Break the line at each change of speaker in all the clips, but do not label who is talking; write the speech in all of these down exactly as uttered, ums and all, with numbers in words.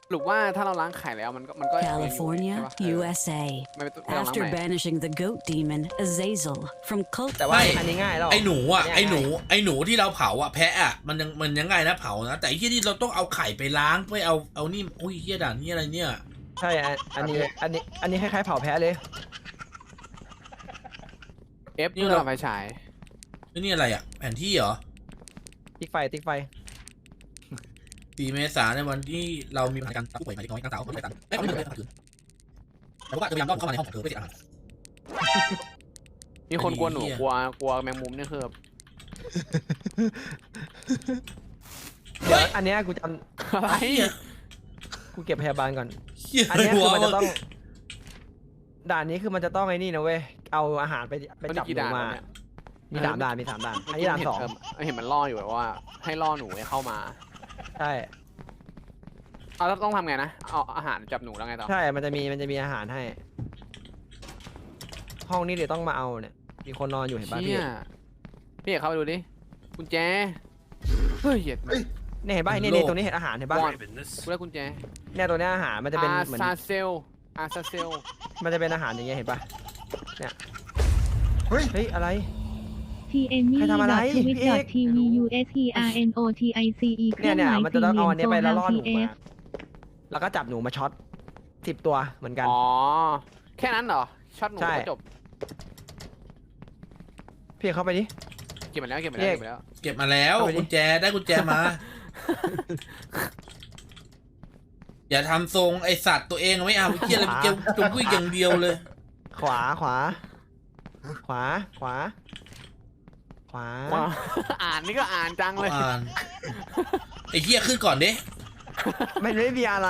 หรือว่าถ้าเราล้างไข่แล้วมันก็มันก็
California,
ใช่ปะเออ
U S A.
ไม่ต้องไม่ต้องล้าง
After
ใหม่
banishing the goat demon Azazel from cult.
แต่ว่า
ไม่
อันนี้ง่ายแล้ว
ไอ้หนูอ่ะ
เนี่ย
ไอ้หนู
ง่าย
ไอ้หนูที่เราเผาอ่ะแพะอ่ะมันยังมันยังไงนะเผานะแต่ไอ้ที่นี่เราต้องเอาไข่ไปล้างไปเอาเอานี่อุ้ยเฮียด่านนี่อะไรเนี่ย
ใช่อันอันนี้อันนี้อันนี้คล้ายๆเผาแพ้เลย
เอฟเพื่อไฟฉาย
นี่อะไรอ่ะแผนที่เหรอ
ติ๊กไฟติ๊กไฟ
สี่เมษายนในวันที่เรามีปัญหาการผู้ป่วยหมายถึงน้อยตั้งเสาไม่ได้ตั้งไม่ไม่ไม่ไม่แต่ว่าจะพยายามรอบเข้ามาในห้องของเธอเพื่อจะอ่าน
มีคนกลัวหนู
ไอ้เหี้ย
กลัวกลัวแมงมุมเนี่ยคือแบบ
เดี๋ยวอันเนี้ยกูจ
อะไร
ำกูเก็บพยาบาลก่อน
เฮีย
อัน
อะไร
เนี้ยคือ
วะ
มันจะต้องด่านนี้คือมันจะต้องไอ้นี่นะเว้ยเอาอาหารไปไป
มัน
จับ
กี่
หนู
ด่าน
มา
เนี่ย
มีสามด่านมีสามด่านอันนี้ด่านสอง
เเห็นมันล่ออยู่แบบว่า ให้ล่อหนูให้เข้ามา
ใช่
เอาแล้วต้องทำไงนะเอาอาหารจับหนูแล้วไงต่อ
ใช่มันจะมีมันจะมีอาหารให้ ห้องนี้เดี๋ยวต้องมาเอาเนี่ยมีคนนอนอยู่เห็นป่ะพี่
เชี่ยพี่เอกเข้าไปดูดิกุญแจเฮ้ยเหยียด
เฮ้ย
เนี่ยเห็นป่ะเนี่ยเนี่ยตรงนี้เห็นอาหารเห็นป่ะ
วอนกูได้กุญแจ
เนี่ยตัวเนี้ยอาหารมันจะเป็น
อา
เหมือน
ซาเซลอาซาเซล
มันจะเป็นอาหารอย่างเงี้ยเห็นป่ะเนี่ย
เฮ้ย
เฮ้ยอะไร
t n m
ใครทำอะไร
t w i t
พี่เอก
t v u s e r n o t i c e เค
เนี่
รื่
ย
องห
เนี่ย
มาย
มัน
สี่
จะ
เห
ต้อง
ลี่
เอา
ย
อัน
ม
เนี้ย
โซ
ไปแล้ว
ฮา
ล่อห
ที
นู
เอ
มา
ฟ
แล้วก็จับหนูมาช็อตสิบตัวเหมือนกัน
อ๋อแค่นั้นเหรอช็อตหนู
ใช่
ก็จบ
พี่เข้าไปดิ
เก็บมาแล้วเก็บมาแล้ว
พี่
เก็บมาแล้ว
เก็บมาแล้ว
เอาไปดิ
กุญแจได้กุญแจมา อย่าทำทรงไอสัตว์ตัวเองไม่เอาไอ้เฮียอะไรเกี่ยวจงกุ้ยอย่างเดียวเลย
ขวาขวา ขวาขวา ขวา
ว้าว อ่านนี่ก็อ่านจังเลย
อ่านไอ้เฮียขึ้นก่อนดิ
ไม่ได้มีอะไร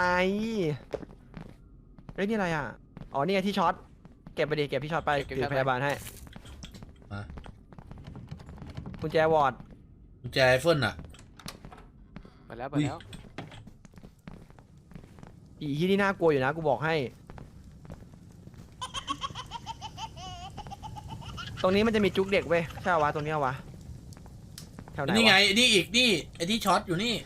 เฮ้ยนี่อะไรอ่ะอ๋อนี่ไงที่ช็อตเก็บไปดิเก็บที่ช็อตไปถือพยาบาลให้
มา
กุญแจวอร์ด
กุญแจไอเฟิลอ่ะ
ไปแล้วไป
อุ้ย
แล้ว
อีที่นี่น่ากลัวอยู่นะกูบอกให้ ตรงนี้มันจะมีจุกเด็กเว้ยใช่ปะวะตรงนี้เอาวะแถวไหน
นี่ไง
วะ
นี่อีกนี่ไอ้ที่ช็อตอยู่นี่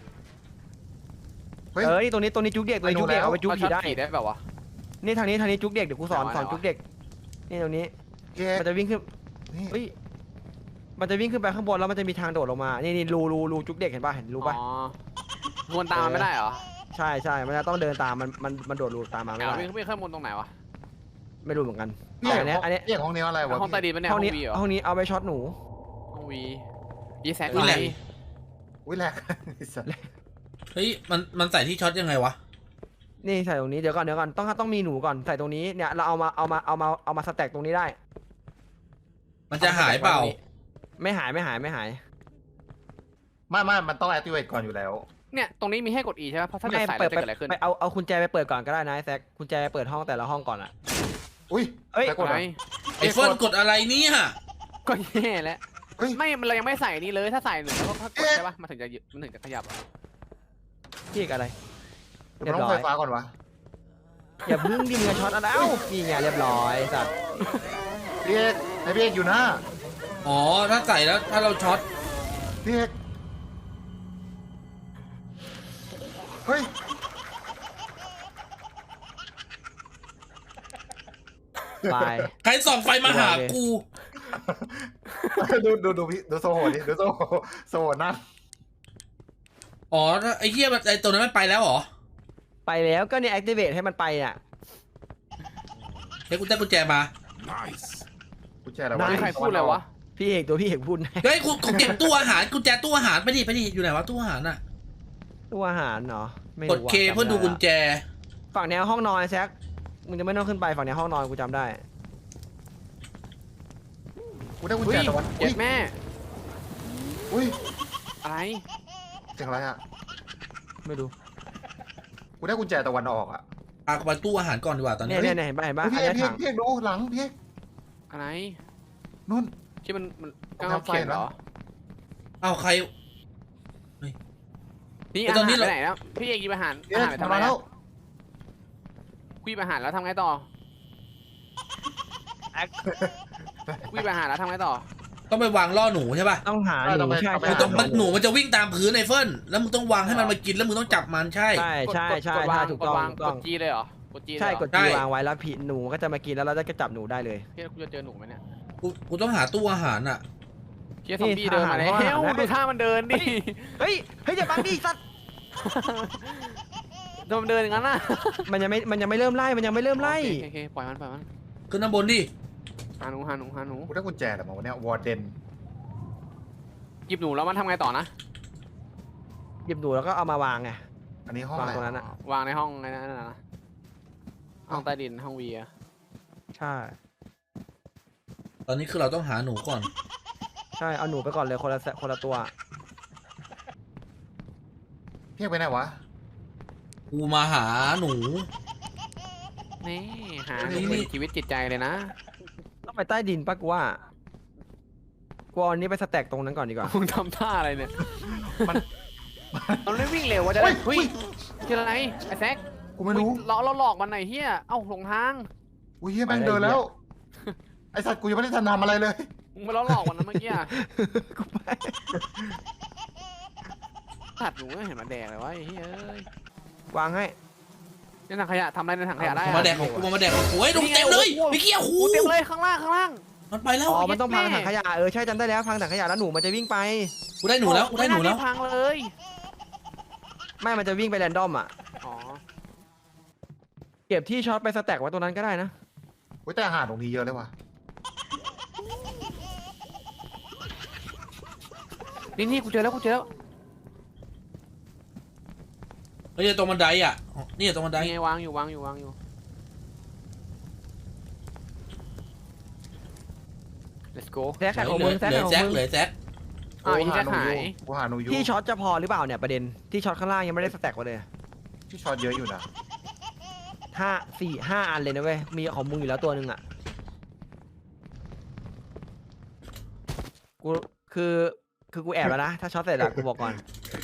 เฮ้ย
เออนี่ตรงนี้ตรงนี้จุกเด็กตรงนี้จุกเด็ก
ไปดูแล้ว
เอาไปจุก
เอา
ผี
ช็อต
ได้
ขี่ได้แบบวะ
นี่ทางนี้ทางนี้จุกเด็กเดี๋ยวกูสอน
ไหนวะ
สอน
ไหนวะ
จุกเด็กนี่ตรงนี้
พี่เอก
มันจะวิ่งขึ้น
นี่
เฮ้ยมันจะวิ่งขึ้นไปข้างบนแล้วมันจะมีทางโดดลงมานี่นี่รูรูรูจุกเด็กเห็นป่ะเห็นรูป่ะ
อ๋อวนตามมันไม่ได้เหรอ
ใช่ใช่มันจะต้องเดินตามมันมันมันโดดรูตามมาไม่
อ้าว
ได้
วิ่งวิ่งขึ้นบนตรงไหนวะ
ไม่รู้เหมือนกัน
พี่เอก
อันเนี้ยอันเนี้ย
พี่เอกห้องนี้อะไรวะ
ห้องใต้ดินปะเนี่ย
ห้
ห้
อ
อง ง
นี้
วีเหรอ
ห้องนี้เอาไปช็อตหนู
ห้องวียีแซก
อุ้ย
อะไร
แหลก
อุ้ยแหลกไอ้สัส
เฮ้ยมันมันใส่ที่ช็อตยังไงวะ
นี่ใส่ตรงนี้เดี๋ยวก่อนเดี๋ยวก่อนต้องต้องมีหนูก่อนใส่ตรงนี้เนี่ยเราเอามาเอามาเอามาเอามาสแต็กตรงนี้ได้
มันจะหายเปล่า
ไม่หายไม่หายไม่หาย
ไม่ไม่มันต้อง activate ก่อนอยู่แล้ว
เนี่ยตรงนี้มีให้กด E ใช่ไหมเพราะถ้าเกิด
ไม่
ใส่
เปิ
แล้ว
ด
จะ
ไป
เกิดอะไรขึ้น
ไปเอาเอากุญแจไปเปิดก่อนก็ได้นะไอ้แซกกุญแจเปิดห้องแต่ละห้องก่อนอะ
อุ้ย
เอ้ย
แต่กด
ไหน
อะ
ไอเฟิลกดอะไรเนี่ย
ก็แย่แล้ว
เฮ้ย
ไม่มันเรายังไม่ใส่นี่เลยถ้าใส่หนึ่งแล้วก็กดใช่ปะมันถึงจะหยุดมันถึงจะขยับอะ
พี่อะไร
เดี๋ยวมันต้องไฟฟ้าก่อนวะ
อย่าพึ่งดิมึงจะช็อตอะไรเอ้านี่ไงเรียบร้อยสัตว์
พี่เอกไอพี่เอกอยู่หน้า
อ๋อถ้าใส่แล้วถ้าเราช็อต
พี่เอกเฮ้ย
ไป
ใครส่องไฟมาหากู
ดูดูดูพี่ดูโซโหดิดูโซโหโซโหนั่ง
อ๋อถ้าไอ้เหี้ยมันไอ้ตัวนั้นมันไปแล้วเหรอ
ไปแล้วก็เนี่ย activate ให้มันไปอ่ะ
เฮ้ยกูได้กุญแจมา
กูแช่แล้ว
ได้
มีใครพูดเลยวะ
พี่เอกตัวพี่เอกพูดนะ
เฮ้ยกูกูเก็บตู้อาหารกุญแจตู้อาหารไปดิไปดิอยู่ไหนวะตู้อาหารน่ะ
ตัวอาหารเนาะไม่
กด
รู้ว่ะ
เคเพื่อดูกุญแจ
ฝั่งเนี้ยห้องนอนแซกมึงจะไม่ต้องขึ้นไปฝั่งเนี้ยห้องนอนกูจำได้
กูได้กุญ
อุ้
แจ
ย
ตะวัน
เจ็
อุ้ย
บแม่
อุ้ย
อะไร
เสียงอะไรอะ
ไม่รู้
กูได้กุญแจตะวันออกอะ
อ่ะไปตู้อาหารก่อนดีกว่าตอนนี้
เนี่ยเนี่ยเนี่ยเห็นป่ะเห็นป่ะ
พี่
อัน
เอก
เนี้ย
พี่เอก
ถัง
พี่เอกดูหลังพี่เอก
อะไร
นู่น
ที่มันมัน
ผม
กาง
ทำไฟ
เขียนเหรอ
เอ้าใคร
นี่
ไอ้
อา
ตอนนี้
หาร
เรา
ไปไหนแล้วพี่เอกหยิบอาหาร
พี่
อา
เอ
หาร
ก
ไปทำ
มา
ไม
แล้ว
คุยอาหารแล้วทำไงต่อคุยอาหารแล้วทำไงต่อ
ต้องไปวางล่อหนูใช่ป่ะ
ต้องหาหนูใช่
มัน
ใช่
ต้องมันหนูมันจะวิ่งตามพื้นไอ้เฟิร์นแล้วมึงต้องวางให้มันมากินแล้วมึงต้องจับมันใช่
ใช่ใช่ใช่
กดวาง
ถูก
ก
ต้
ด
อง
วาง
ถูก
ก
ต้อ
ด
ง
จีเลยเหรอ กดจีเลย
ใช่
เหรอก
ดจีวางไว้แล้วผีหนูก็จะมากินแล้วเราจะจับหนูได้เลย
เฮียกูจะเจอหนูไหมเนี่ย
กูกูต้องหาตู้อาหารอ่ะ
เฮียซอมบี้เดินมา
นี่
แล้ว
ทหาร
ดูท่ามันเดินดิ
เฮ้ยเฮ้ยอย่าบังดิสัตว์
โดนมันเดินอย่างนั้นน่ะ
มันยังไม่มันยังไม่เริ่มไล่มันยังไม่เริ่มไล่
โอเคโอเคปล่อยมันปล่อยมัน
ขึ้นด้านบนดิ
หาหนูหาหนูหาหนู
กูได้กุญแจแต่มาวันเนี้ยวอร์เดน
หยิบหนูแล้วมันทำไงต่อนะ
หยิบหนูแล้วก็เอามาวางไง
อันนี้ห้อง
วาง
อะไร
ตรงนั้นอะ
วางในห้องไอ้นั่นน่ะนะห้องใต้ดินห้องวีอะ
ใช่
ตอนนี้คือเราต้องหาหนูก่อน
ใช่เอาหนูไปก่อนเลยคนละคนละตัว
เพี้ยไปไหนวะ
กูมาหาหนู
นี่หาห
นี่
นู
นี่
เป็นชีวิตจิตใจเลยนะ
ต้องไปใต้ดินปะกูว่ากูเอาอันนี้ไปสแต็กตรงนั้นก่อนดีกว่า
มึงทำท่าอะไรเนี่ย
มัน
มันไม่วิ่งเร็วว่าจะได้
เฮ้
เฮ้
ย
ยคืออะไรไอ้แซค
กูไม่รู้
เราเราหลอกมันหน่อยเฮียเอ้าหลงทาง
อุ้ยเฮียแม่งเดินแล้ว ไอสัตว์กูยังไม่ได้ทำอะไรเลย
มึงมาล้อหลอกมันนะเมื่อกี้อะ
กูไป
ตัดหนูก็เห็นมันแดกเลยวะไอ้เฮ้ยเอ้ยว
างให้
ในถังขยะทำอะไรในถังขยะได้
กู
อะ
มาแดกของกูมาแดกของกูเฮ้ยหนูเต็มเลยไม่เกี่ยวหู
กูเต็มเลยข้างล่างข้างล่าง
มันไปแล้ว
อ๋อมันต้องพัง
แม่
ถังขยะเออใช่จำได้แล้วพังถังขยะแล้วหนูมันจะวิ่งไป
กูได้หนูแล้วกูได้หนูแล้ว
ม่าพังเลย
ไม่มันจะวิ่งไปแรนดอมอ่ะ
อ๋อ
เก็บที่ช็อตไปสแต็กไว้ตรงนั้นก็ได้นะ
อุ้ยแต่อาหารตรงนี้เยอะเลยว่ะ
นี่นี่กูเจอแล้วกูเจอแล้ว
เฮ้ยตรงบันไดอ่ะนี่ตรงบันได
นี่ไงวางอยู่วางอยู่วางอยู่ let's go
แซกแซกของมึงแซก
เหลือ
ของ
แซก
มึง
เหลือแซก
อ้าวอี
กู
แซ
หาก หนู
หา
อย ยู่กูหาหนูอยู่
ที่ช็อตจะพอหรือเปล่าเนี่ยประเด็นที่ช็อตข้างล่างยังไม่ได้สแต็กไว้เลย
ที่ช็อตเยอะอยู่นะ
ห้าสี่ห้าอันเลยนะเว้ยมีของมึงอยู่แล้วตัวหนึ่งอ่ะกูคือคือกูแอบแล้วนะถ้าช็อตเสร็จอะกูบอกก่อน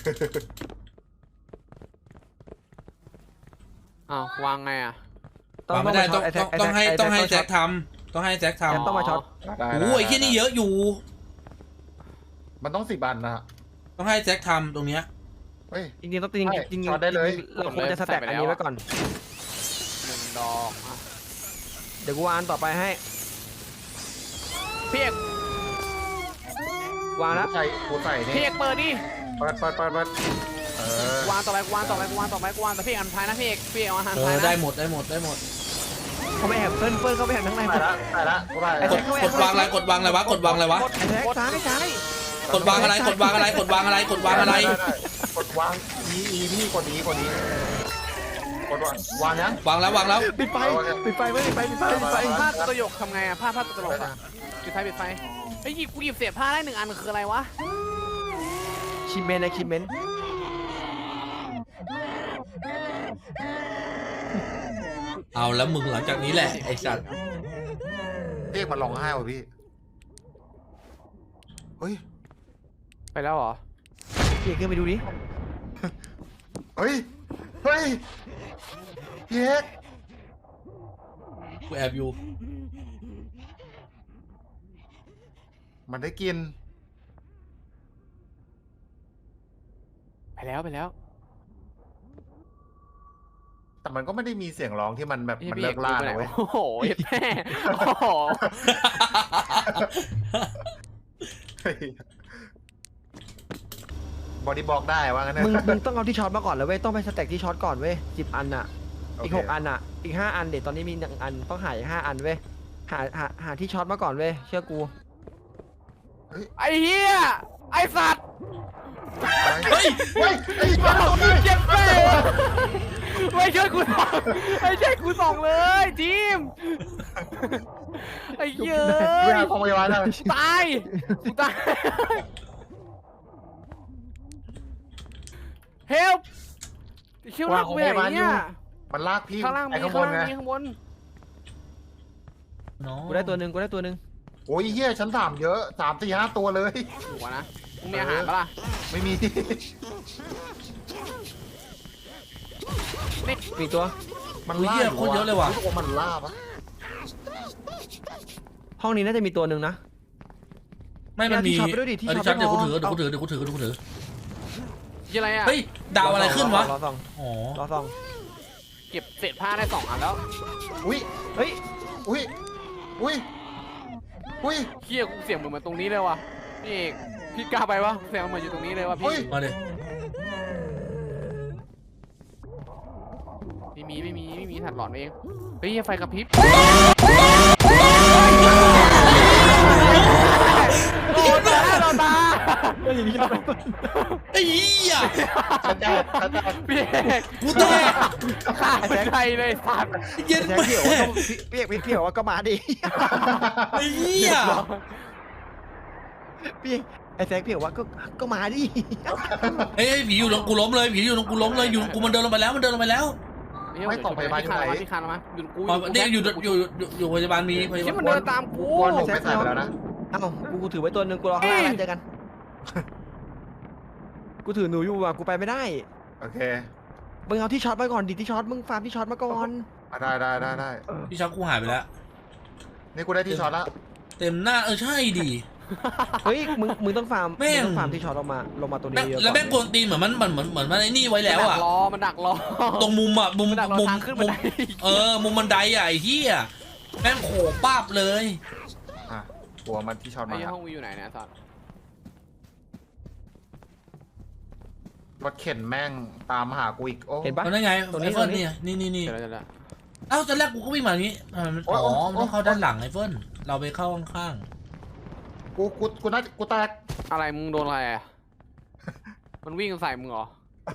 อ้าววางไงอ่ะ
วางไม่ได้ต้อง
ไอ้แซ
ต้อง
ก
ต้องให้
ไอ้
ต้องให้แซ
ช็
กทำต้องให้แซก
แซก
ทำ
ต้องมาช็อต
ได้
โอ้ยไอ้ที่นี่เยอะอยู่
มันต้องสิบอันนะฮะ
ต้องให้แซกทำตรงเนี้ย
เฮ้ย
จริงๆต้องจริง
ใช่
จริงๆ
ช็อตได้เลย
เราควรจะสแต็กอันนี้ไว้ก่อน
หนึ่งดอกอ่ะ
เดี๋ยวกูวางอันต่อไปให้
พี่เอก
วางแล้ว
กูใส่กูใส่
พี่
นี่
เอกเปิดดิ
เปิดเปิดเปิดเปิดเออ
วางต่อไปกูวางต่อไปกูวางต่อไปกูวางแต่พี่เอกอันท้ายนะพี่เอกพี่เอกเอาอัน
เอ
ท้าย
อ
นะ
ได้หมดได้หมดได้หมด
เขาไม่แอบเฟิร์นเฟิร์นเขาไม่แอบทั้างในหม
ใส่
ด
ละใส่ละกูได้
ไอ้
กดกดวางอะไรกดวางอะไรวะกดวางอะไรวะ
ไอ้แท็กซ้ายซ้าย
กดวางอะไรกดวางอะไรกดวางอะไรกดวางอะไร
ด้ด้ได้กดวางอีอีพี่กดนี้กดนี้กดวางวางยัง
วางแล้ววางแล้ว
ปิดไฟปิดไฟไว้ปิดไฟปิดไฟปิดไฟ
ผ้าตลกทำไงอะผ้าผ้าตลกอะปิดไฟปิดไฟไอ้ยหยิบกูหยิบเศษผ้าได้หนึ่งอันคืออะไรวะ
คิมเมนนะคิมเมน
เอาแล้วมึงหลังจากนี้แหละไอ้สัตว์
เรียกมันร้องไห้ว่ะพี่เฮ้ย
ไปแล้วเหรอ
พี่ขึ้นไปดูดิ
เฮ้ยเฮ้ยพี่เอก
กูแอบอยู่
มันได้กิน
ไปแล้วไปแล้ว
แต่มันก็ไม่ได้มีเสียงร้องที่มันแบบ
ไอ้
มัน
พี่
เลิ
เอก
กล่า
ไปไหน
นะเว้ย
โอ้โหเห็ดแม่โอ้โห
บอดี้บล็อกได้ว่างั้นนะ
มึงมึงต้องเอาที่ช็อตมาก่อนแล้วเว้ยต้องไปสแต็กที่ช็อตก่อนเว้ยสิบอันอ่ะอีกหกอันอ่ะอีกห้าอันเดี๋ยวตอนนี้มีหนึ่งอันต้องหาอีกห้าอันเว้ยหาหาหาที่ช็อตมาก่อนเว้ยเชื่อกู
ไอ้เหี้ยไอ้สัตว์
เฮ้ย
เฮ้ยไอ้บ้า
เจ็บแม่ไม่ช่วยกูส่องไม่ช่วยกูส่องเลยทีมไอ้เหี้ย
เวลาของพยาบาลได้
ตายกูตาย help เชื่อว่ากูไปไหนเนี่ย
มันลากพี่
ข้างล่าง
ไป
มี
ข้างบ
ข้าง
น
ล่าง
ไง
มีข้างบน
กูได้ตัวหนึ่งกูได้ตัวหนึ่ง
โอ้ยเฮียชั้นสามเยอะสามสี่ห้าตัวเลย
ถูกวะนะมึงมีอาหารปะล่ะ
ไม่มี
มีตัว
มัน
อุ้ย
ล่า
เหี้ยโคตรเยอะเลยว่ะ
รู้สึกว่ามันล่าปะ
ห้องนี้น่าจะมีตัวหนึ่งนะ
ไม่มันมี
ที่ช็อตไปด้วยดิที่
เออ
ช็อ
ที่
ต
ช็อต
ไม่
เดี๋ยว
พ
กู
อ
ถือเดี๋ยวกูถือเดี๋ยวกูถือเดี๋ยวกูถือ
ยี่อะไรอ่ะ
เฮ้ยดาวอะไรขึ้นวะ
รอสอง
อ๋อ
รอสอง
เก็บเศษผ้าได้สองอันแล้ว
อุ้ย
เฮ้ย
อุ้ยอุ้ยอุ้ย
เฮียกูเสียงเหมือนมาตรงนี้เลยว่ะพี่เอกพี่กล้าไปวะเสียงเหมือนอยู่ตรงนี้เลยว่ะ
อุ้
พี่
ย
มาดิ
ไม่มีไม่มีไม่มีถัดหลอนเองเฮ้ยไฟกระพริบโอ้ตาเราตา
ก็อย่างนี้เรา
ไอ้เหี้ย
ชัดเจนชัดเจน
พี่เอก
กูแตก
ขาดใจเลยสัตว์
เย็น
แจ็ค
ไป
เพี่ยวว่าก็พี่เอกพี่เอกว่าก็มาดิ
ไอ้เหี้ย
พี่ไอ้แจ็คพี่เอกว่าก็ก็มาดิ
เฮ้ยผีอยู่ตรงกูล้มเลยผีอยู่ตรงกูล้มเลยอยู่ตรงกูมันเดินลงไปแล้วมันเดินลงไปแล้ว
ไม่กล่องพยาบาลอยู่ไหน
พี่คานมาอยู่กู
อ๋อเนี่ยอยู่อยู่อยู่อยู่พยาบาลมีพยา
ที่
บา
มั
ล
นเดินตามกู
วนผมไม่ใส่ไปแล้วนะ
เอ้ากูกูถือไว้ตัวหนึ่งกูรอข้างล่างแล้วเจอกัน กูถือหนูอยู่อ่ะกูไปไม่ได้
โอเค
มึงเอาที่ช็อตไปก่อนดิที่ช็อตมึงฟาร์มที่ช็อตมาก่อน
อ่ะได้ได้ได้ได้
พี่ช็อตกูหายไปแล้ว
นี่กูได้ที่ช็อตแล้ว
เต็มหน้าเออใช่ดิ
เฮ้ยมึงมึงต้องฟาร์ม
แม่ง
มึงต้องฟาร์มที่ช็อตลงมาลงมาตัวนี้
แม่ง
เยอะๆ
แล้วแม่งก
ก่
วนตีนเหมือนมันเหมือนเหมือนเหมือนมันไอ้นี่ไว้แล้วอ่ะ
มันดักรอมันดักรอ
ตรงมุมอ่ะมุม
มันดักรอ
มุม
ทางขึ้นบั
มุ
น
ม
ได
เออมุมบันไดอ่ะไอ้เหี้ยแม่งโขป้าบเลย
อ่ะหัวมันที่ช็อต
ไอ้
มา
ห้องวีอยู่ไหนเนี่ยสัตว์
รถเข็นแม่งตามหากูอีกโอ้
เห็นปะ
ตอนนั้นไง
ตรงนี้
ไอ้เฟิร์น
ตรงนี้
เนี่ยนี่นี่นี่
เดี๋ยวเดี๋ยวเดี๋ยว
เอ้าตอนแรกกูก็วิ่งมาอย่างนี้ทำไมมันอ๋อมันต้องเข้าด้านหลังไอ้เฟิร์นเราไปเข้าข้าง
กูกูกูน่ากูแตก
อะไรมึงโดนอะไรอ่ะมันวิ่งใส่มึงเหรอ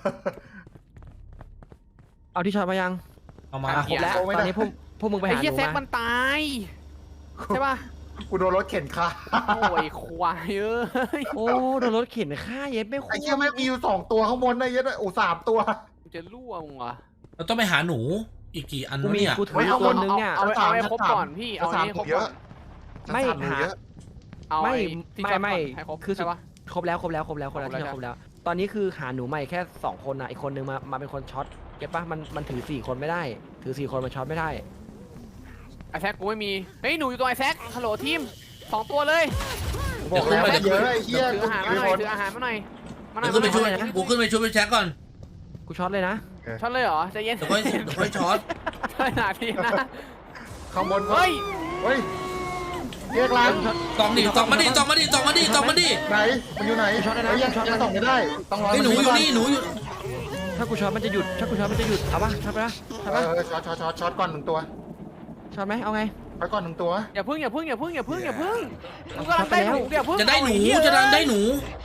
เอาที่ช็อตมายัง
ๆเอามา
อ่ะ
ครบแล้วตอนนี้พวกพวกมึงไป
ไอ้
หาห
เหี้ย
นู
แซก
มา
มันตายใช่ป่ะ
กูโดนรถเข็นค่ะ
โอ้ยควายเอ้ย
โอ้โดนรถเข็นฆ่าเย็ดไม่คุ้
ไอ้เชี่ยแม่งมีอยู่สองตัวข้างบนนะเยัดโอ้สามตัว
กูจะรั่วมึงเหรอ
เราต้องไปหาหนูอีกกี่อัน
กู
วะ
มี
เนี่ย
กูถื
เฮ้
อย
เอา
ตัวนึงเนี่ย
เอาเอาให้ครบ
ชั้นสาม
ก่อนพี่เอา
ชั้น
ให้
สาม
ครบ
เย
ก่อ
อะ
น
ไม่
ชั้นสามหนู
หา
เยอะ
เอา
ไม่
อ้ที่
ไม่
จอด
ไม่
ก่อนให้ครบ
คือสุด
ใช่ปะ
ครบแล้วครบแล้วครบแล้วคนละ
ครบแล้ว
ที่ครบแล้ว ตอนนี้คือหาหนูใหม่แค่สองคนนะอีกคนนึงมามาเป็นคนช็อตเก็ตปะมันมันถือสี่คนไม่ได้ ถือสี่คนมันช็อตไม่ได้
ไอ้แซกกูไม่มีเฮ้ยหนูอยู่ตรงไอ้แซกฮัลโหลทีมสองตัวเลย
บอกแล้วมันเยอะไอ้เหี้ย
ถือ
กู
อาหารมา
มี
หน่
ค
อย
น
ถืออาหารมาหน่อยมาหน่
เดี๋
อย
ยวขึ้นไปช่วย
นะ
กูขึ้นไปช่วยไปแช็คก่อน
กูช็อตเลยนะ
ช็อตเลยเหรอใจเย็น
เดี๋ยวค่อยเดี๋ยวค่อยช็อต
ใช่หนาทีนะ
ข้างบน
เฮ้ย
เฮ้ยเรียกร้าน
ตองดิตองมาดิตองมาดิตองมาดิตองมาดิ
ไหนมันอยู่ไหน
ช็อตได้นะ
เฮ้ยยัง
ช็อต
ยังส่องไม่ได้ต้องรอ
ไอ้หนูอยู่นี่หนูอยู่
ถ้ากูช็อตมันจะหยุดถ้ากูช็อตมันจะหยุดเอาปะช็อตไปละช็อต
เอ
ปะ
อช็อตช็อตช็อตช็อตก่อนหนึ่งตัว
ช็อตไหมเอาไง
ไปก่อนหนึ่งตัว
อย่าพึ่งอย่าพึ่งอย่าพึ่งอย่าพึ่งอย่าพึ่งกูกำลังได้หนูอย่าพึ่ง
จะได้หนู
เอาอ้เย
จะได้ได้หนู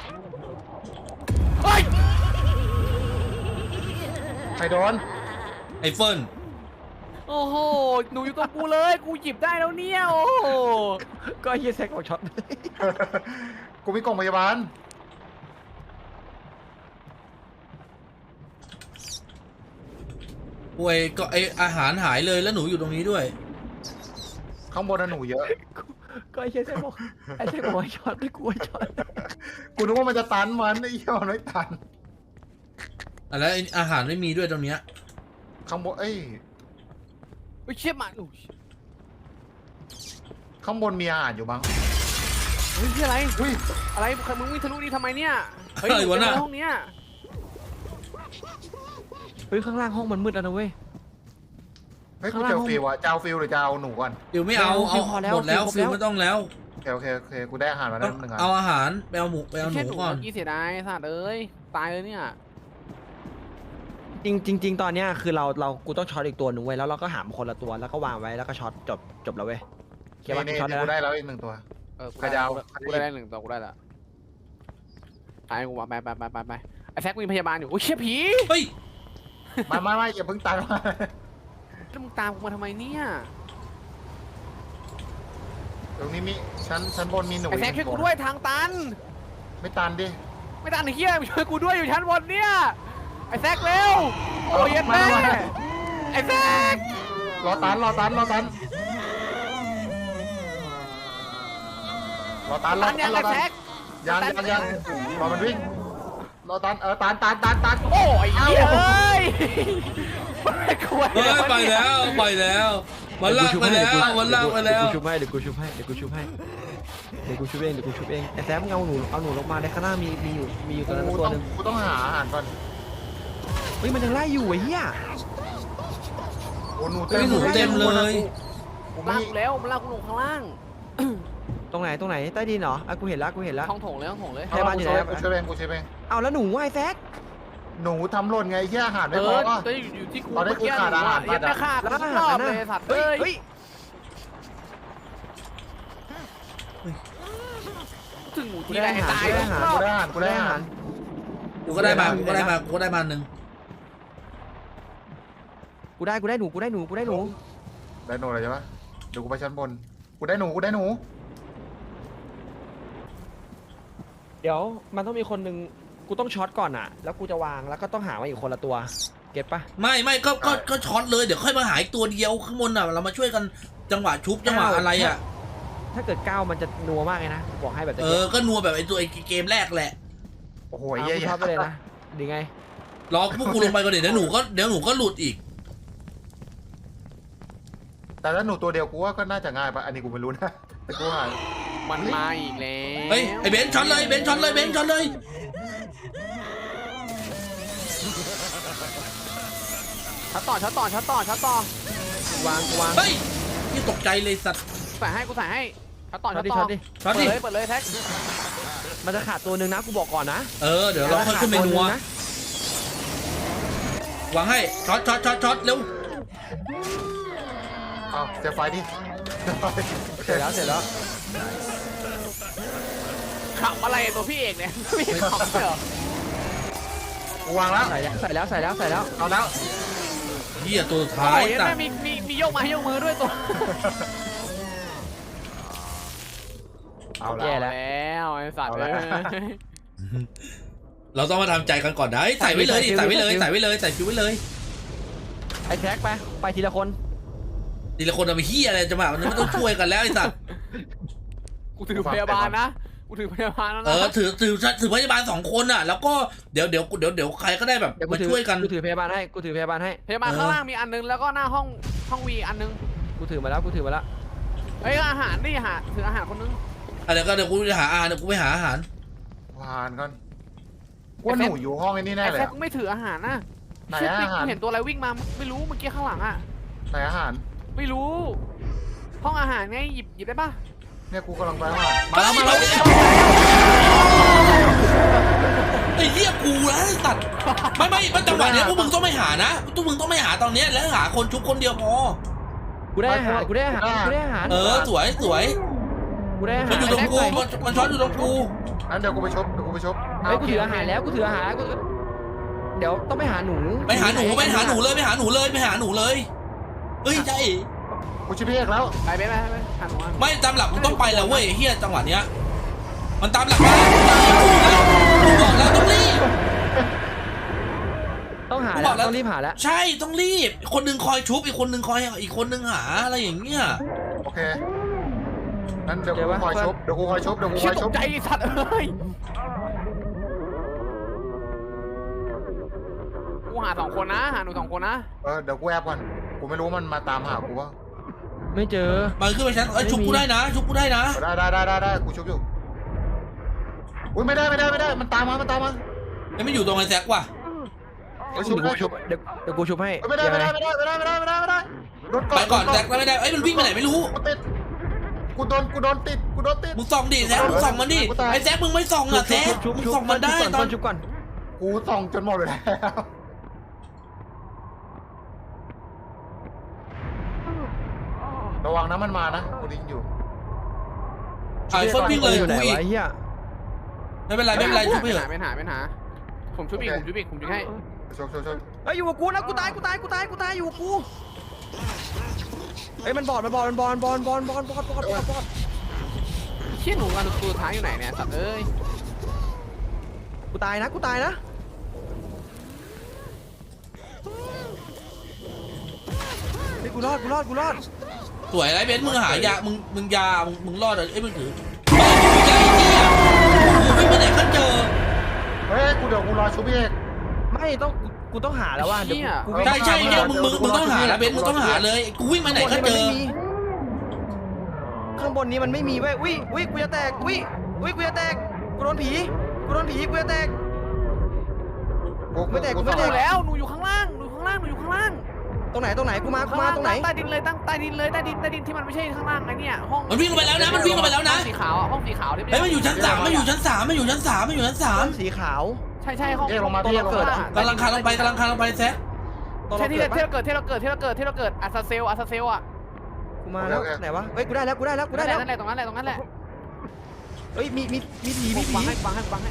เฮ้ย
ใครโดน
ไอ้เฟิร์น
โอ้โหหนูอยู่ตรงกูเลยกูหยิบได้แล้วเนี่ยโอ้โห
ก็ไอ้เฮียแซกบอกช็อต
กูมีกล่องพยาบาล
ป่วยก็ไออาหารหายเลยแล้วหนูอยู่ตรงนี้ด้วย
ข้างบนน่ะหนูเยอะ
ก็ไอ้เฮียแซกบอกไอ้แซกบอกให้ช็อตไม่กูให้ช็อต
กูนึกว่ามันจะตันมันไอ้เหี้ยมันไม่ตัน
อ่ะแล้วไอ้อาหารไม่มีด้วยตรงเนี้ย
ข้างบนเอ้ย
เฮ้ยเชี่ยมันอุ้ย
ข้างบนมีอาหารอยู่บ้าง
เฮ้ยเชี่ยอะไร
อุ้ย
อะไรมึงวิ่งทะลุนี่ทำไมเนี่ยเฮ้ย
อะไรวะน่ะ
มึงเจอห้องเนี้ย
เฮ้ยข้างล่างห้องมันมืดแล้วนะเว้ย
เฮ้ย
ข้า
กู
งล่าง
เจอฟิวอะจะเอาฟิวหรือจะเอาหนูก่อน
ฟิวไม่เอา
ฟิ
เอา
วพอแล้ว
หมดแล้ว
ฟิ
ฟิ
ว
ว
ครบแล้ว
ไม่ต้องแล้ว
โอเคโอเคโอเคกูได้อาหารมา
ต้
แล้
อ
ว
ง
หนึ่งอัน
เอาอาหารไปเอาหมูไปเอาห
เชี่ย
นู
หนู
ก่อน
เมื่อกี้เสียดายสัตว์เอ้ยตายเลยเนี่ย
จริงจริงจริงตอนเนี้ยคือเราเรากูต้องช็อตอีกตัวหนึ่งเว้ยแล้วเราก็หามคนละตัวแล้วก็วางไว้แล้วก็ช็อตจบจบแล้วเว้ยเขียนว่า
นี่
ช็อต
นี่
แล้ว
กูได้แล้วอีกหนึ่งตัว
เออกู
ใครจะเอา
กูได้หนึ่งตัวกูได้ละตายกูว่าไปไปไปไปไปไอ้แซกมีพยาบาลอยู่โอ้ยเชี่ยผี
เฮ้ย
ไม่ไม่ไม่อย่าเพิ่งตันมา
แล้วมึงตามกูมาทำไมเนี่ย
ตรงนี้มีชั้นชั้นบนมีหนู
ไอ้แซกช่วยกูด้วยทางตัน
ไม่ตันดิ
ไม่ตันไอ้เหี้ยช่วยกูด้วยอยู่ชั้นบนเนี่ยไอ้แซกเร็วโอ้ยเย็นแม่ไอ้แซก
รอตันรอตันรอตันรอตันรอ
ตัน
ตั
ยั
น
ง
รอ
ไอ้
ตั
แซ
น
ก
ยังยังยังรอมันวิ่งรอตันเออตันตันตันตัน
โอ้ยเหี้ยเอ้ยกลัว
เฮ้ยไปแล้วไปแล้วมันลากไปแล้วมันลากไปแล้ว
เดี๋ยวกูชุบให้เดี๋ยวกูชุบให้เดี๋ยวกูชุบให้เดี๋ยวกูชุบเองเดี๋ยวกูชุบเองไอ้แซมมึงเอาหนูเอาหนูลงมาในข้างหน้ามีมีอยู่มีอยู่ตัวนั้น
กู
ตัว
ต้อง
หนึง
กูต้องหาอาหารก่อน
เฮ้ยมันยังไล่อยู่ไอ้เหี้ย
โอ้หนู
เฮ้ยหนูเต็มเลย
กู
ลา
ไม่
กกูแล้วมันลากกูลงข้างล่าง
ตรงไหนตรงไหนใต้ดินเหรออ่ะกูเห็นแล้วกูเห็นแล้ว
ท้องโถงเลยท้องโถงเลย
พยาบาลอยู่ไหน
กูช่วยเองกูช่วยเอง
เอาแล้วหนูไอ้แซก
หนูทำหล่นไงไอ้เหี้ยอาหาร
เอ
ไม่พอ
อ
ป่ะ
จะอยู่อยู่ที่กู
ตอนนี้
เมื่อกี้
กูขาดอาหาร
ยังไม่ขาด
แล้ว
แล้ว
อา
ก็
หาร
รอบ
น่ะ
เลยสัตว์
เฮ้
เอ้
ย
ย
เฮ้ย
ถึงหมู
กู
ที่
ได้
ไหน
อาหาร
ตาย
กูได้อาหาร
กูได้อาหารกูได้อาหาร
กูก็ได้มากูก็ได้มากูก็ได้มาหนึ่ง
กูได้กูได้หนูกูได้หนูกูได้หนู
ได้หนูอะไรใช่ปะเดี๋ยวกูไปชั้นบนกูได้หนูกูได้หนู
เดี๋ยวมันต้องมีคนหนึ่งกูต้องช็อตก่อนอ่ะ แล้วกูจะวางแล้วก็ต้องหามาอีกคนละตัวเก็ตปะ
ไม่ไม่ก็ก็ก็ช็อตเลยเดี๋ยวค่อยมาหาอีกตัวเดียวข้างบนอ่ะเรามาช่วยกันจังหวะชุบจังหวะอะไรอ่ะ
ถ้าเกิดก้าวมันจะนัวมากเลยนะบอกให้แบบ
เออก็นัวแบบไอ้ตัวไอ้เกมแรกแหละ
โอ้โห
โอ้ย
ไอ้
เยี่
เหี้
ย
ย
ช็อตไปเลยนะดีไง
รอพวกกูลงไปก่อนเดี๋ยวหนูก็เดี๋ยวหนูก็หลุดอีก
แต่ถ้าหนูตัวเดียวกูว่าก็น่าจะง่ายปะอันนี้กูไม่รู้นะแต่กูหา
มันมาอีกแล้ว
เฮ้ยไอ้เบนซ์ช็อตเลยเบนซ์ช็อตเลยเบนซ์ช็อตเลย
ช็อตต่อช็อตต่อช็อตต่อช็อตต่อ
วางกูวาง
เฮ้ยนี่ตกใจเลยสัตว์
ใส่ให้กูใส่ให้ช็อตต่อ
ช็
ช็
อ
อ
ต
ต
ดิ
ต่อ
ช็อตดิ
ช็อตดิ
เปิดเลยเปิดเลยแท็ก
มันจะขาดตัวหนึ่งนะกูบอกก่อนนะ
เออเดี๋ยวเราค่อยขึ้นเมนู
ขาดตัวหง
อะ
นะ
วางให้ช็อตช็อตช็อตช็อตเร็ว
เอาเสียไฟดิ
เสร็จแล้วเสร็จแล้ว
ขับอะไรตัวพี่เอกเนี่ยไม่ขับเหรอ
กูวางแล้ว
ใส่แล้วใส่แล้วใส่แล้วใส่แล้ว
เอาแล้ว
เหี้ยตัวสุด
โอ้
ท้าย
ย
สัต
แม่
ว์
มีมีมีโยกมาให้โยกมือด้วยตัว
เอาแล้
แย่
ว
แล้ว
แล้วไอ้สัตว์
เอา
เล
ละ
ย
เราต้องมาทำใจกันก่อนนะเฮ้ยใส่ไว้เลยดิใส่ไว้เลยใส่ไว้เลยใส่คิวไว้เลย
ไอ้แท็กไปไปทีละคน
ทีละคนเอาไปเหี้ยอะไรจังหวะมันไม่ต้องช่วยกันแล้วไอ้สัตว์
กูถือพยาบาลนะกูถือพยาบาลแล้ว
เอ
นะ
อถือถือถือพยาบาลสองคนอ่ะ แล้วก็เดี๋ยวเดี๋ยวเดี๋ยวเดี๋ยวใครก็ได้แบบ
เดี๋ยวกู
มา
ถือ
ช่วยกัน
กูถือพยาบาลให้กูถือพยาบาลให้
พยาบาล
เออ
ข้างล่างมีอันนึงแล้วก็หน้าห้องห้องวีอันนึง
กูถือมาแล้วกูถือมาแล้ว
เฮ้ยอาหารดิหาถืออาหารคนนึง
อ่ะเดี๋ยวก็เดี๋ยวกูจะหาอาหารเดี๋ยวกูไปหาอาหาร
ผ่านก่อนว่าหนูอยู่ห้องไอ้นี่แน่
ไอ้
เลย
แท็ก
อะ
ไม่ถืออาหารนะ
ไหน
เชี่ย
อาหาร
กูเห็นตัวอะไรวิ่งมาไม่รู้เมื่อกี้ข้างหลังอ่ะ
ไหนอาหาร
ไม่รู้ ห้องอาหารไงหยิบหยิบได้ปะ
เนี่ยกูกำลังไปอาหาร
มาแล้วมาแล้วไอ้เหี้ยกูนะไอ้สัตว์ไม่ไม่ไม่จังหวะเนี้ยพวกมึงต้องไม่หานะพวกมึงต้องไม่หาตอนเนี้ยแล้วหาคนชุบคนเดียวพอ
กูได้อาหารกูได้อาหารกูได้อาหาร
เออสวยสวย
กูได้อาหา
มั
ร
นอยู่ตรงกูมันมันช้อนอยู่ตรงกู
งั้นเดี๋ยวกูไปชบเดี๋ยวกูไปชบ
เฮ้ยกูถืออาหารแล้วกูถืออาหารแล้วกูเดี๋ยวต้องไปหาหนู
ไปหาหนูไปหาหนูเลยไปหาหนูเลยไปหาหนูเลยเฮ้ยใช่
กูชิพี่เอกแล้ว
ไปไปไปไปหาหนูมา
ไม่ตามหลักมึงต้องไปแล้วเว้ยเฮียจังหวะเนี้ยมันตามหลักมากูบอกแล้วต้องรีบ
ต้องหา
กูบ
แล้
อ
ว
กแล้ว
ต้องรีบหาแล้ว
ใช่ต้องรีบคนหนึ่งคอยชุบอีกคนหนึ่งคอยอีกคนหนึ่งหาอะไรอย่างเงี้ย
โอเคงั้นเดี๋ยวกูคอยชบเดี๋ยวกูคอยชบเดี๋ยวกูค
เชี่ย
อย
ต
ช
ก
บ
ใจไอ้สัตว์เอ้ยกูหาสองคนนะหาหนูสองคนนะ
เออเดี๋ยวกูแอบก่อนกูไม่รู้มันมาตามหากูว่า
ไม่เจอ
มันขึ้นไปชั้นเอ้ยชุบกูได้นะชุบกูได้นะ
ได้ได้ได้ได้ได้กูชบอยู่อุ้ยไม่ได้ไม่ได้ไม่ได้มันตามมามันตามมา
ยังไม่อยู่ตรงไอ้แซกว่ะ
เอ้ย
เดี๋
ชุ
ยว
บ
กู
ได้
ชุบเดี๋ยวเดี๋ยวกูชุบให้
เอ้ยไม่ได้ไม่ได้ไม่ได้ไม่ได้ไม่ได้ไม่ได้ไม่ได้โดน
ไปก่อน
โด
แซกไม่ได้เอ้ยมันวิ่งไปไหนไม่รู้
กูติดกูโดนกูโดนติดกูโดนติด
มึงส่องดิแซกมึงส่องมันดิไอ้แซกมึงไม่ส่องอ่ะแซก
ชุบ
มึง
ชุบ
ส่องมันได้
ชุบ
ต
ก่
อ
อน นชุบก่อน
กูส่องจนหมดเลยแล้วระวังนะมันมานะกูดิ้งอยู่
ไอ้เฟิร์สวิ่งเลย
อยู่ไหน
กูอีก
วะไอ้เหี้ย
ไม่เป็นไรไม่เป็นไรชุบไป
ไม่
เถ
หา
อะ
ไม่หาไม่หาผมชุบอีกผมชุบอีกผมชุบให้
ชกชกชก
เฮ้ยอยู่กับกูนะกูตายกูตายกูตายกูตายอยู่กับกูเฮ้ยมันบอดมันบอดมันบอดมันบอดบอดบอดบอดบอดบอดบอด
เชี่ยหนูอันตัวสุดท้ายอยู่ไหนเนี่ยสัตว์เอ้ย
กูตายนะกูตายนะเฮ้ยกูรอดกูรอดกูรอด
สวยไรเบนซ์มึงหายามึงมึงยามึงมึงรอดเอ้ยมึงถือเฮ้ยมึงยาไอ้เหี้ยมึงวิ่งไปไหนก็เจอ
เฮ้ยกูเดี๋ยวกูรอชุบพี่เอก
ไม่ต้องกูกูต้องหาแล้วว่าเดี๋ยวกูกูวิ่ง
ใช่ใช่เนี่ยมึงมึงมึงต้องหาแล้วเบนซ์มึงต้องหาเลยกูวิ่งมาไหนก็เจอ
ข้างบนนี้มันไม่มีเว้ยวิวิกูจะแตกวิวิกูจะแตกกูโดนผีกูโดนผีกูจะแตก
กู
ไม่แตกกู
ห
ไม่
นู
แตก
แล้วหนูอยู่ข้างล่างหนูอยู่ข้างล่างหนูอยู่ข้างล่าง
ตรงไหนตรงไหนกูมากู
ข้าง
มา
ล่าง
ตรงไหน
ใต้ดินเลยตั้งใต้ดินเลยใต้ดินใต้ดินที่มันไม่ใช่ข้างล่างไอ้เนี่ยห้อง
มันวิ่งลงไปแล้วนะมันวิ่งลงไปแล้วนะ
ห้องสีขาวอะห้องสีขาวที่
เฮ้ยมันอยู่ชั้นสามมันอยู่ชั้นสามมันอยู่ชั้นสามมันอยู่ชั้นสาม
ต้นสีขาว
ใช่ใช่ห้อง
เรียกลงมา
ตร
พี่เรียกลง
เกิด
มา
อะ
กำลังคานลงไปกำลังคานลงไปแซะ
ตอน
ใช่
เรา
ที่
เกิด
ที่
ปะ
เราเกิดที่เราเกิดที่เราเกิดที่เราเกิดอัสซาเซลอัสซาเซลอะ
กูมาแล้วไหนวะเฮ้ยกูได้แล้วกูได้แล้วกูได้แล้ว
นั่นแหละตรงนั้นแหละตรงนั้นแหละ
เฮ้ยมีมีมีผีมีผี
วางให้วางให้วางให้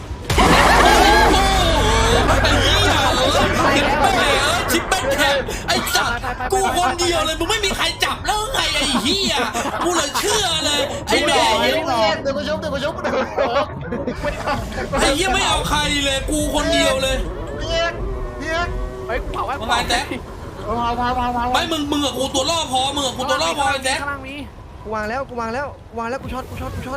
ไอ้เหี้ยเออชิปเป้นแทนไอ้จัดกูคนเดียวเลยมึงไม่มีใครจับแล้วไงไอ้เหี้ยกูเลยเชื่อเลยไอ้แม่
เดี๋ยวเดี๋ยวกูชุบเดี๋ยวกูชุบเดี๋ยว
ไอ้เหี้ยไม่เอาใครเลยกูคนเดียวเลย
พี่เอกพี่เอก
เฮ้ยเผาไว้
ประมาณแซะ
พาพาพาพา
ไม่มึงมึงกับกูตัวล่อพอมึงกับกูตัวล่อพอไอ้แซะ
ข้างล่างมี
กูวางแล้วกูวางแล้วกูวางแล้วกูช็อตกูช็อตกูช็อต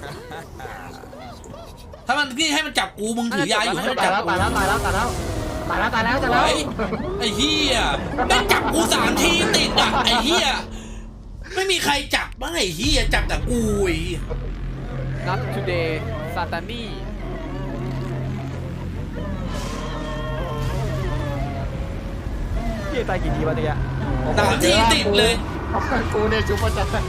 ถ้ามันพี่ให้มันจับกูมึงถือยาอยู่ให้มัน
ตาย
จับ
แล้ว
กู
ตายแล้วตายแล้วตายแล้วตายแล้วตายแล้วตายแล้ว
ไอ้ไอ้เหี้ยแม่งจับกูสามทีติดอ่ะไอ้เหี้ยไม่มีใครจับบ้างไอ้เหี้ยจับแต่กูไอ้เหี้ย
นัททูเดย์ซาตานี
พี่ตายกี่ทีวะตะกี้
สามทีติดเลย
กูเนี่ยชุบประจัน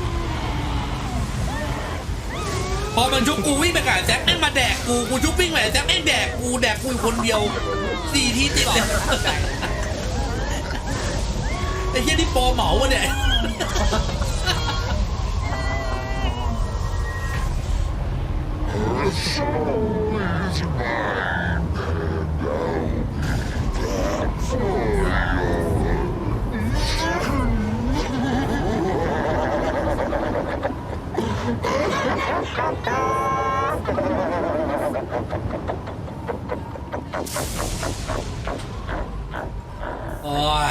พอมันชุบกูวิ่งไปกับแซกแม่งมาแดกกูกูชุบวิ่งไปแซกแม่งแดกกูแดกกูอยู่คนเดียวสี่ทีติดเลยไอ้เหี้ยนี่โปรเหมาวะเนี่ย โอ้ย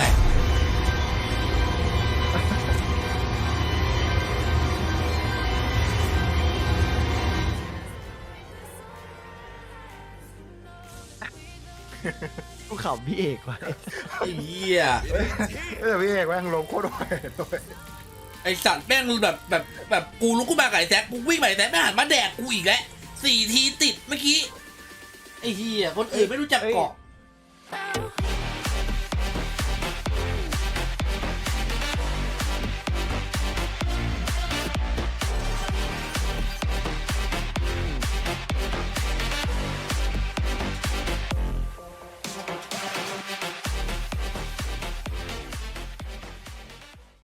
กูขำพี่เอกว่ะ
ไอ้เหี้ย
เออพี่เอกแม่งลงโคตรไวเลย
ไอสัตว์แม่งแบบแบบแบบกูลุกขึ้นมากับไอ้แซกกูวิ่งไปไอ้แซกแม่งหันมาแดกกูอีกแล้วสี่ทีติดเมื่อกี้ไอ้เหี้ยคนอื่นไม่รู้จักเกาะ